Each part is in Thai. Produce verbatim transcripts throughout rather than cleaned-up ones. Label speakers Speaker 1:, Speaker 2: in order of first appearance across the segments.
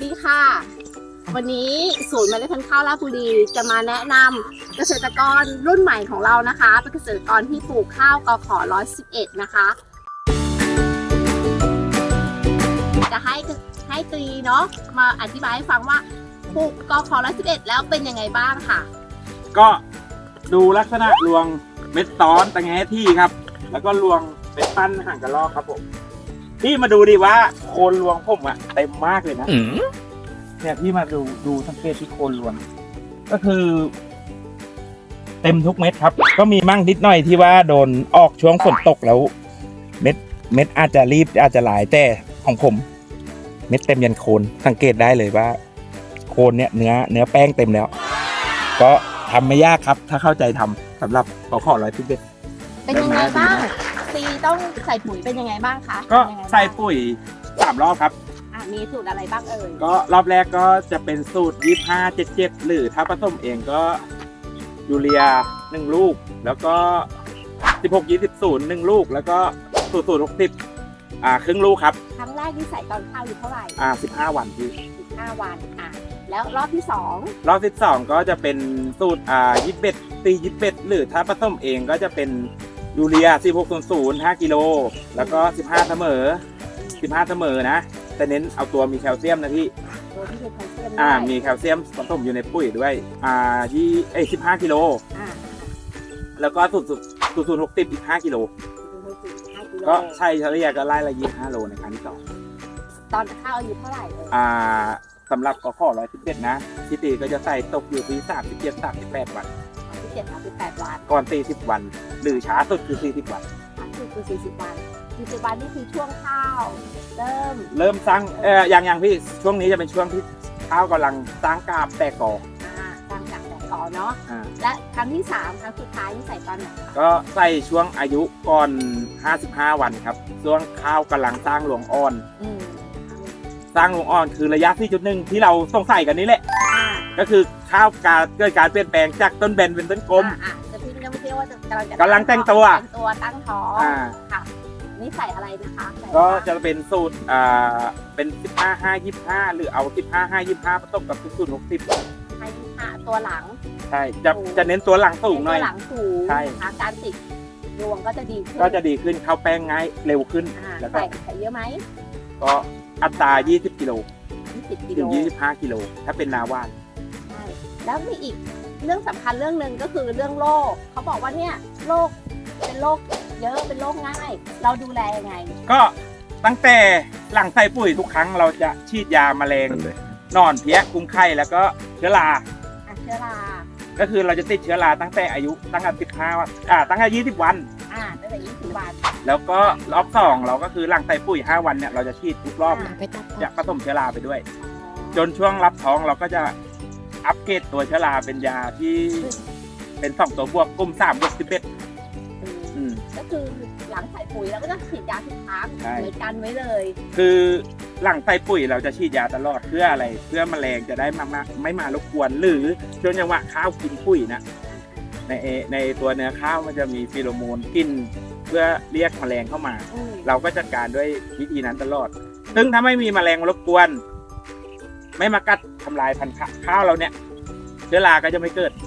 Speaker 1: ดีค่ะวันนี้ศูนย์เมล็ดพันธุ์ข้าวราชบุรีจะมาแนะนำเกษตรกรรุ่นใหม่ของเรานะคะเป็นเกษตรกรที่ปลูกข้าวกขหนึ่งร้อยสิบเอ็ดนะคะจะให้ให้ตรีเนาะมาอธิบายให้ฟังว่าปลูกกขหนึ่งร้อยสิบเอ็ดแล้วเป็นยังไงบ้างค่ะ
Speaker 2: ก็ดูลักษณะรวงเม็ดซ้อนตะแงที่ครับ แล้วก็รวงเป็นปั้นห่างกระรอกครับผมพี่มาดูดิว่าโคนรวงผมอะเต็มมากเลยนะเนี่ยพี่มาดูดูสังเกตที่โคนรวงก็คือ เต็มทุกเม็ดครับก็มีมั่งนิดหน่อยที่ว่าโดนออกช่วงฝนตกแล้ว เม็ดเม็ดอาจจะรีบอาจจะหลายแต่ของผม เม็ดเต็มยันโคนสังเกตได้เลยว่า โคนเนี่ยเนื้อเนื้อแป้งเต็มแล้ว ก็ทำไม่ยากครับถ้าเข้าใจทำสำหรับกขร้อยสิบเอ็ด
Speaker 1: เป็นยังไงบ้างซีต้องใส่ปุ๋ยเป็นยังไงบ้างคะ
Speaker 2: ก็ใส่ปุ๋ยสามรอบครับ
Speaker 1: มีสูตรอะไรบ้างเอ่ย
Speaker 2: ก็รอบแรกก็จะเป็นสูตรยี่สิบห้า เจ็ดสิบเจ็ดหรือถ้าผสมเองก็ยูเรียหนึ่งลูกแล้วก็สิบหก ยี่สิบ ศูนย์ หนึ่งลูกแล้วก็สูตรสูตรหกสิบอ่าครึ่งลูกครับ
Speaker 1: ครั้งแรกที่ใส่ตอนข้าวอยู่เท่าไหร่
Speaker 2: อ่าสิบห้าวันพี่
Speaker 1: สิบห้าวันอ่ะแล้วรอบที่สอง
Speaker 2: รอบที่สองก็จะเป็นสูตรอ่ายี่สิบเอ็ดตียี่สิบเอ็ดหรือถ้าผสมเองก็จะเป็นยูเรียสิบหก ศูนย์ ศูนย์ ห้ากิโลแล้วก็สิบห้าเสมอสิบห้าเสมอนะแต่เน้นเอาตัวมีแคลเซียมนะพี่
Speaker 1: ตัวที่มีแคลเซียม
Speaker 2: อ่ามีแคลเซียมผสมอยู่ในปุ๋ยด้วยอ่าที่เอ้สิบห้ากิโลอ่าแล้วก็สูตรสูตรสูตรหกสิบอีกห้ากิโลก็ใช่เฉลี่ยก็ไล่ละยี่สิบห้าโลในครั้งที่สอง
Speaker 1: ตอนข้าวอายุเท่าไหร่เอ่ย
Speaker 2: อ่าสำหรับกขร้อยสิบเอ็ดนะที่ตีก็จะใส่ตกอยู่ที่สามสิบเจ็ด สามสิบแปดวัน
Speaker 1: ที่เจ็ด สามสิบแปดวัน
Speaker 2: ก่อนสี่สิบวันหรือช้าสุดคือสี่สิบวัน
Speaker 1: ช้าสุดคือสี่สิบวันสี่สิบวันนี่คือช่วงข้าวเริ่ม
Speaker 2: เริ่มสร้างเอ่ออย่างอย่างพี่ช่วงนี้จะเป็นช่วงที่ข้าวกำลังสร้างกาบแตกกอ
Speaker 1: อ่าสร้างกาบแตกกอเนาะและครั้งที่สามครั้งสุดท้ายนี่ใส่ตอนไหน
Speaker 2: ก็ใส่ช่วงอายุก่อนห้าสิบห้าวันครับช่วงข้าวกำลังสร้างรวงอ่อนสร้างรวงอ่อนคือระยะที่จุดหนึ่งที่เราสงสัยกันนี้แหละก็คือข้าวการเกิดการเปลี่ยนแปลงจากต้นแบนเป็นต้นกลม
Speaker 1: จะพี่ยังไม่เชื่อว่าจะกำลังจะ
Speaker 2: กำลังแต่งตัว
Speaker 1: ตัวตั้งท้องค่ะนี่ใส่อะไรนะคะ
Speaker 2: ก็จะเป็นสูตรอ่าเป็นสิบห้า ห้า ยี่สิบห้าหรือเอาสิบห้า ห้า ยี่สิบห้าผสมกับสูตรหกสิบ
Speaker 1: ห้า ยี่สิบห้าตัวหลัง
Speaker 2: ใช่จะจะเน้นตัวหลังสูงหน่อย
Speaker 1: ตัวหลังสูงใช่การติดรวงก็จะดีขึ้น
Speaker 2: ก็จะดีขึ้นเข้าแป้งง่ายเร็วขึ้น
Speaker 1: แล้วก็ใส่เยอะไหม
Speaker 2: ก็อัตรายี่สิบกิโลถึงยี่สิบห้ากิโลถ้าเป็นนาว่าน
Speaker 1: ใช่แล้วมีอีกเรื่องสำคัญเรื่องหนึ่งก็คือเรื่องโรคเขาบอกว่าเนี่ยโรคเป็นโรคเยอะเป็นโรคง่ายเราดูแลยังไง
Speaker 2: ก็ตั้งแต่หลังใส่ปุ๋ยทุกครั้งเราจะฉีดยาแมลงนอนเพี้ยคุ้มไข่แล้วก็เชื้อรา
Speaker 1: เชื้อรา
Speaker 2: ก็คือเราจะติดเชื้อราตั้งแต่อายุตั้งแต่สิบห้าวันอ่าตั้งแต่ยี่สิบวัน
Speaker 1: อ่าตั้งแต่ยี่สิบวัน
Speaker 2: แล้วก็รอบสองเราก็คือหลังใส่ปุ๋ยห้าวันเนี่ยเราจะฉีดทุกรอบจะผสมเชื้อราไปด้วยจนช่วงรับท้องเราก็จะอัปเกรดตัวเชื้อราเป็นยาที่เป็นสองตัวบวกกลุ่มสามบวกสิบเอ็ด
Speaker 1: ก็คือหลังใส่ปุ๋ยเราก็จะฉีดยาทุกครั้งเหมือนกันไว้เลย
Speaker 2: คือหลังใส่ปุ๋ยเราจะฉีดยาตลอดเพื่ออะไรเพื่อแมลงจะได้มาไม่มารบกวนหรือช่วงจังหวะข้าวกินปุ๋ยนะในในตัวเนื้อข้าวมันจะมีฟีโรโมนกินเพื่อเรียกแมลงเข้ามาเราก็จัดการด้วยวิธีนั้นตลอดซึ่งถ้าไม่มีแมลงรบกวนไม่มากัดทำลายพันธุ์ข้าวเราเนี่ยเชื้อราก็จะไม่เกิด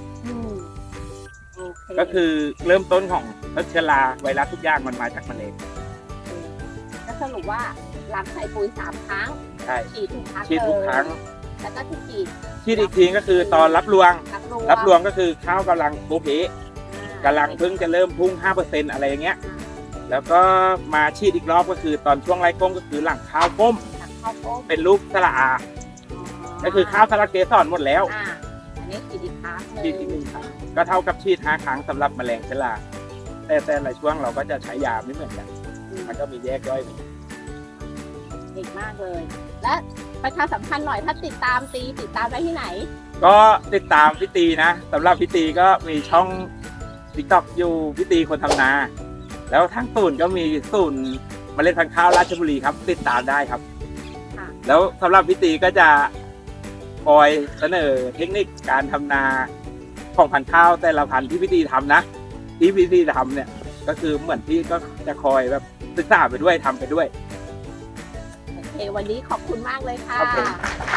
Speaker 2: ก็คือเริ่มต้นของเชื้อราไวรัสทุกอย่างมันมาจากแมลง
Speaker 1: ก็สรุปว่าหลังใส่ปุ๋ยสามครั้ง
Speaker 2: ใช่
Speaker 1: ฉีดทุกครั้ง
Speaker 2: ฉีดทุกครั้ง
Speaker 1: แล้วก็ที่ฉีด
Speaker 2: ฉีดอีกทีก็คือตอนรับรวงรับรวงก็คือข้าวกำลังโบเพกำลังเพิ่งจะเริ่มพุ่ง ห้าเปอร์เซ็นต์ อะไรอย่างเงี้ยแล้วก็มาฉีดอีกรอบก็คือตอนช่วงไร้ก้มก็คือหลังข้าวก้มเป็นลูกสละอาก็คือข้าวสละเกสรหมดแล้ว
Speaker 1: อันนี้ฉีดอีกครั้ง
Speaker 2: ฉีดอีกหนึ่งครั้งก็เท่ากับฉีดห้าครั้งสำหรับแมลงเชื้อราแต่แต่ละช่วงเราก็จะใช้ยาไม่เหมือนกันมันก็มีแยกย่อยไป
Speaker 1: เก่งมากเลยและประชาสัมพันธ์หน่อยถ้าติดตามตีติดตามได้ที่ไหน
Speaker 2: ก็ติดตามพี่ตีนะสำหรับพี่ตีก็มีช่อง ติ๊กต็อก อยู่พี่ตีคนทำนาแล้วทั้งศูนย์ก็มีศูนย์เมล็ดพันธุ์ข้าวราชบุรีครับติดตามได้ครับแล้วสำหรับพี่ตีก็จะคอยเสนอเทคนิคการทำนาของพันธุ์ข้าวแต่ละพันธุ์ที่พี่ตีทำนะที่พี่ตีทำเนี่ยก็คือเหมือนพี่ก็จะคอยแบบศึกษาไปด้วยทำไปด้วย
Speaker 1: โอเควันนี้ขอบคุณมากเลยค่ะ